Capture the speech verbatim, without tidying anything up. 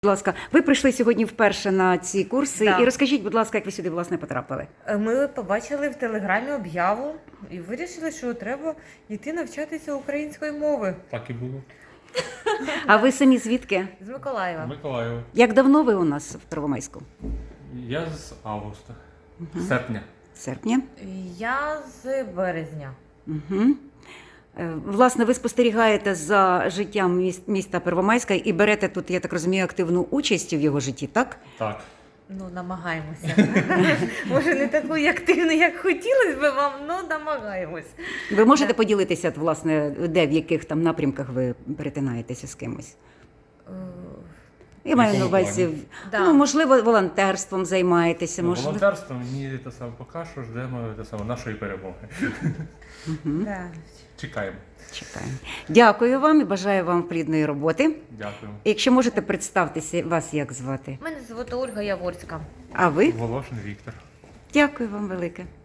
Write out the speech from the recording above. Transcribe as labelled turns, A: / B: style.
A: Будь ласка, ви прийшли сьогодні вперше на ці курси.
B: Да.
A: І розкажіть, будь ласка, як ви сюди, власне, потрапили?
B: Ми побачили в телеграмі об'яву і вирішили, що треба йти навчатися української мови.
C: Так і було.
A: А ви самі звідки?
B: З Миколаєва.
C: Миколаєва.
A: Як давно ви у нас в Первомайську?
C: Я з августа. Серпня.
A: Серпня?
B: Я з березня.
A: Угу. Власне, ви спостерігаєте за життям міс- міста Первомайська і берете тут, я так розумію, активну участь в його житті, так?
C: Так.
B: Ну, намагаємося. Може, не таку активну, як хотілося б вам, але намагаємось.
A: Ви можете
B: Так.
A: поділитися, от, власне, де, в яких там напрямках ви перетинаєтеся з кимось?
B: Е,
A: Я маю на
C: якому
A: увазі,
C: плані?
B: Да.
A: ну, можливо, волонтерством займаєтеся,
C: Ну,
A: можливо.
C: волонтерство мені те саме поки що ждемо те саме нашої перемоги.
B: Да.
C: Чекаємо.
A: Чекаємо. Дякую вам і бажаю вам плідної роботи.
C: Дякую.
A: Якщо можете представтеся, вас як звати?
B: Мене звати Ольга Яворська.
A: А ви?
C: Волошин Віктор.
A: Дякую вам велике.